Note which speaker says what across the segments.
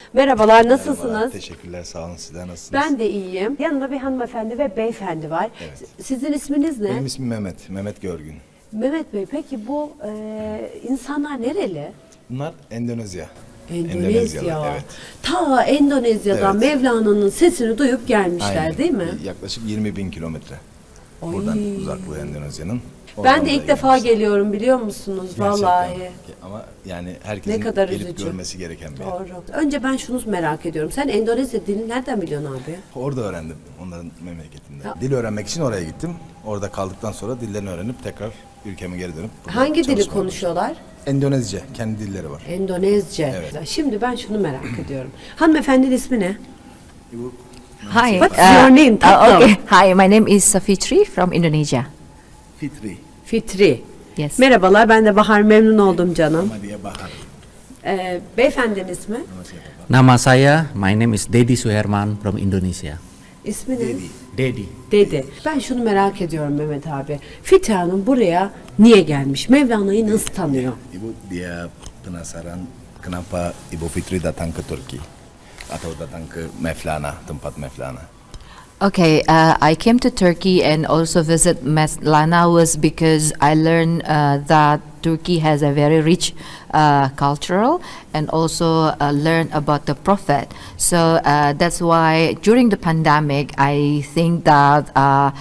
Speaker 1: Merhabalar, nasılsınız?
Speaker 2: Merhabalar, teşekkürler, sağ olun. Sizler nasılsınız?
Speaker 1: Ben de iyiyim. Yanımda bir hanımefendi ve beyefendi var.
Speaker 2: Evet.
Speaker 1: Sizin isminiz ne?
Speaker 2: Benim ismim Mehmet, Mehmet Görgün.
Speaker 1: Mehmet Bey, peki bu insanlar nereli?
Speaker 2: Bunlar Endonezya.
Speaker 1: Endonezya.
Speaker 2: Evet.
Speaker 1: Ta Endonezya'dan
Speaker 2: Evet.
Speaker 1: Mevlana'nın sesini duyup gelmişler
Speaker 2: Aynen.
Speaker 1: değil mi?
Speaker 2: Yaklaşık 20.000 kilometre.
Speaker 1: Oy.
Speaker 2: Buradan uzaklığı Endonezya'nın.
Speaker 1: Ben
Speaker 2: Oradan
Speaker 1: de
Speaker 2: da
Speaker 1: ilk defa
Speaker 2: gelmişler.
Speaker 1: geliyorum biliyor musunuz?
Speaker 2: Gerçekten.
Speaker 1: Vallahi.
Speaker 2: Ama yani herkesin
Speaker 1: Ne kadar
Speaker 2: gelip
Speaker 1: üzücü.
Speaker 2: görmesi gereken bir yer.
Speaker 1: Doğru. Önce ben şunu merak ediyorum. Sen Endonezya dilini nereden biliyorsun abi?
Speaker 2: Orada öğrendim, onların memleketinde.
Speaker 1: Ya.
Speaker 2: Dil öğrenmek için oraya gittim. Orada kaldıktan sonra dillerini öğrenip tekrar ülkeme geri dönüp burada
Speaker 1: Hangi dili
Speaker 2: çalışmaya
Speaker 1: konuşuyorlar?
Speaker 2: başladım. Endonezce, kendi dilleri var.
Speaker 1: Endonezce.
Speaker 2: Evet.
Speaker 1: Şimdi ben şunu merak ediyorum. Hanımefendinin ismi ne?
Speaker 2: Bu
Speaker 3: Hi.
Speaker 1: What's your name, tatlım?
Speaker 3: Okay. Hi, my name is Safitri from Indonesia.
Speaker 2: Fitri.
Speaker 1: Fitri.
Speaker 3: Yes.
Speaker 1: Merhabalar, ben de Bahar, memnun oldum canım.
Speaker 2: Ama diye Bahar.
Speaker 1: Beyefendinin ismi?
Speaker 4: Nama saya, my name is Dedi Suherman from Indonesia.
Speaker 1: İsmi ne?
Speaker 4: Dedi.
Speaker 1: Dedi. Ben şunu merak ediyorum Mehmet abi. Fitri Hanım buraya niye gelmiş? Mevlana'yı nasıl tanıyor?
Speaker 2: Ibu dia penasaran kenapa Ibu Fitri datang ke Turki atau datang ke Mevlana, tempat Mevlana.
Speaker 3: Okay, I came to Turkey and also visit Mevlana was because I learned that Turkey has a very rich cultural and also learn about the prophet. So that's why during the pandemic, I think that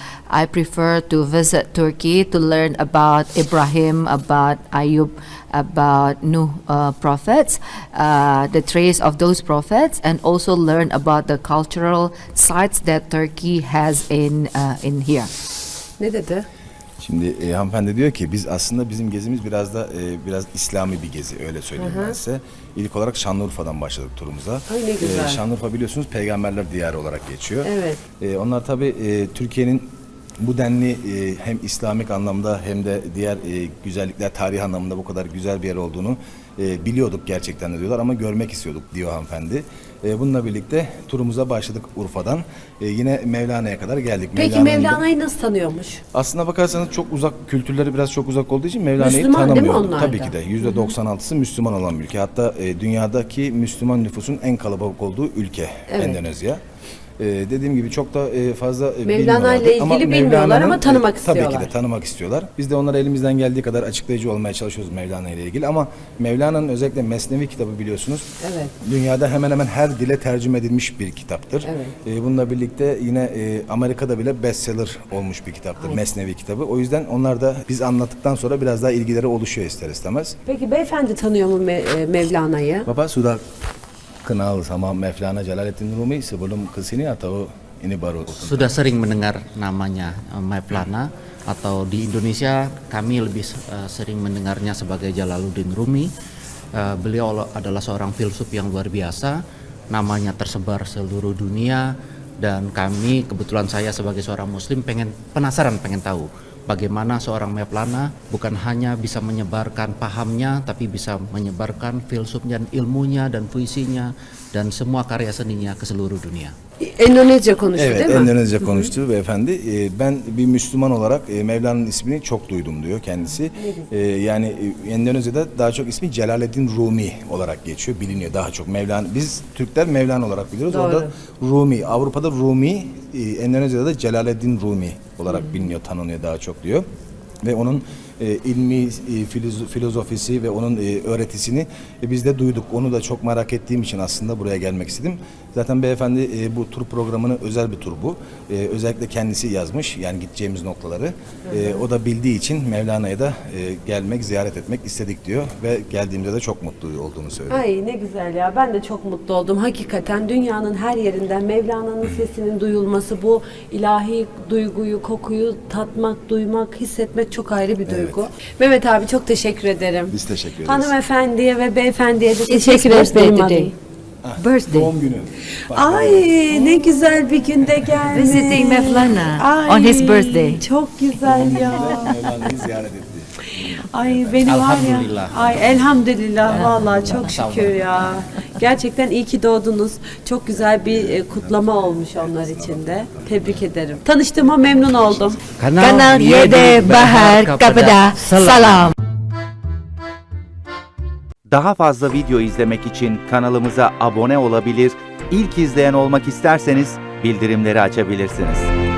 Speaker 3: I prefer to visit Turkey to learn about Ibrahim, about Ayub, about Nuh prophets, the trace of those prophets, and also learn about the cultural sites that Turkey has in here.
Speaker 1: Ne dedi?
Speaker 2: Şimdi hanımefendi diyor ki biz aslında bizim gezimiz biraz da biraz İslami bir gezi, öyle söyleyeyim ben size. İlk olarak Şanlıurfa'dan başladık turumuza.
Speaker 1: Ay ne güzel.
Speaker 2: Şanlıurfa biliyorsunuz peygamberler diyarı olarak geçiyor.
Speaker 1: Evet.
Speaker 2: Onlar tabii Türkiye'nin bu denli hem İslamik anlamda hem de diğer güzellikler, tarih anlamında bu kadar güzel bir yer olduğunu biliyorduk gerçekten de diyorlar ama görmek istiyorduk diyor hanımefendi. Bununla birlikte turumuza başladık Urfa'dan. Yine Mevlana'ya kadar geldik.
Speaker 1: Peki Mevlana'yı nasıl tanıyormuş?
Speaker 2: Aslına bakarsanız çok uzak, kültürleri biraz çok uzak olduğu için Mevlana'yı
Speaker 1: Müslüman değil mi
Speaker 2: tanımıyorduk.
Speaker 1: onlar da?
Speaker 2: Tabii ki de. %96'sı Müslüman olan bir ülke. Hatta dünyadaki Müslüman nüfusun en kalabalık olduğu ülke Endonezya. Dediğim gibi çok da fazla
Speaker 1: Mevlana ile
Speaker 2: bilmiyorlardı.
Speaker 1: ilgili bilmiyorlar
Speaker 2: Mevlana'nın,
Speaker 1: ama tanımak
Speaker 2: Tabii
Speaker 1: istiyorlar.
Speaker 2: ki de tanımak istiyorlar. Biz de onlara elimizden geldiği kadar açıklayıcı olmaya çalışıyoruz Mevlana ile ilgili ama Mevlana'nın özellikle Mesnevi kitabı biliyorsunuz.
Speaker 1: Evet.
Speaker 2: Dünyada hemen hemen her dile tercüme edilmiş bir kitaptır.
Speaker 1: Evet.
Speaker 2: Bununla birlikte yine Amerika'da bile bestseller olmuş bir kitaptır. Mesnevi kitabı. O yüzden onlar da biz anlattıktan sonra biraz daha ilgileri oluşuyor ister istemez.
Speaker 1: Peki beyefendi tanıyor mu Mevlana'yı?
Speaker 2: Bapak sudah kenal sama Mevlana Jalaluddin Rumi sebelum kesini atau ini baru?
Speaker 4: Sudah sering mendengar namanya Mevlana atau di Indonesia kami lebih sering mendengarnya sebagai Jalaluddin Rumi. Beliau adalah seorang filsuf yang luar biasa, namanya tersebar seluruh dunia dan kami kebetulan saya sebagai seorang muslim penasaran pengen tahu bagaimana seorang Mevlana bukan hanya bisa menyebarkan pahamnya tapi bisa menyebarkan filsufnya dan ilmunya dan puisinya dan semua karya seninya ke seluruh dunia.
Speaker 1: Endonezya konuştu değil mi?
Speaker 2: Endonezya konuştu beyefendi. Ben bir Müslüman olarak Mevlana'nın ismini çok duydum diyor kendisi. Yani Endonezya'da daha çok ismi Celaleddin Rumi olarak geçiyor, biliniyor daha çok. Mevlana, biz Türkler Mevlana olarak biliyoruz.
Speaker 1: Doğru.
Speaker 2: Orada Rumi, Avrupa'da Rumi, Endonezya'da da Celaleddin Rumi olarak biliniyor, tanınıyor daha çok diyor. Ve onun ilmi filozofisi ve onun öğretisini biz de duyduk. Onu da çok merak ettiğim için aslında buraya gelmek istedim. Zaten beyefendi bu tur programını özel bir tur bu. Özellikle kendisi yazmış yani gideceğimiz noktaları. O da bildiği için Mevlana'ya da gelmek, ziyaret etmek istedik diyor ve geldiğimizde de çok mutlu olduğunu söylüyor.
Speaker 1: Ay ne güzel ya. Ben de çok mutlu oldum. Hakikaten dünyanın her yerinden Mevlana'nın sesinin duyulması, bu ilahi duyguyu, kokuyu tatmak, duymak, hissetmek çok ayrı bir duygu. Mehmet abi çok teşekkür ederim.
Speaker 2: Biz teşekkür ederiz.
Speaker 1: Hanımefendiye ve beyefendiye de
Speaker 3: It's
Speaker 1: teşekkür
Speaker 3: his birthday
Speaker 1: ederim.
Speaker 3: today. Birthday.
Speaker 2: Doğum günü.
Speaker 1: Ay ne güzel bir günde gelmiş.
Speaker 3: Visiting Mevlana
Speaker 1: Ay,
Speaker 3: on his birthday.
Speaker 1: Çok güzel ya.
Speaker 2: Mevlana'yı ziyaret etti.
Speaker 1: Ay beni var ya.
Speaker 4: Elhamdülillah.
Speaker 1: Ay elhamdülillah vallahi çok şükür ya. Gerçekten iyi ki doğdunuz. Çok güzel bir kutlama olmuş onlar için de. Tebrik ederim. Tanıştığıma memnun oldum.
Speaker 3: Kanal Yede Bahar Kepada Salam.
Speaker 5: Daha fazla video izlemek için kanalımıza abone olabilir, ilk izleyen olmak isterseniz bildirimleri açabilirsiniz.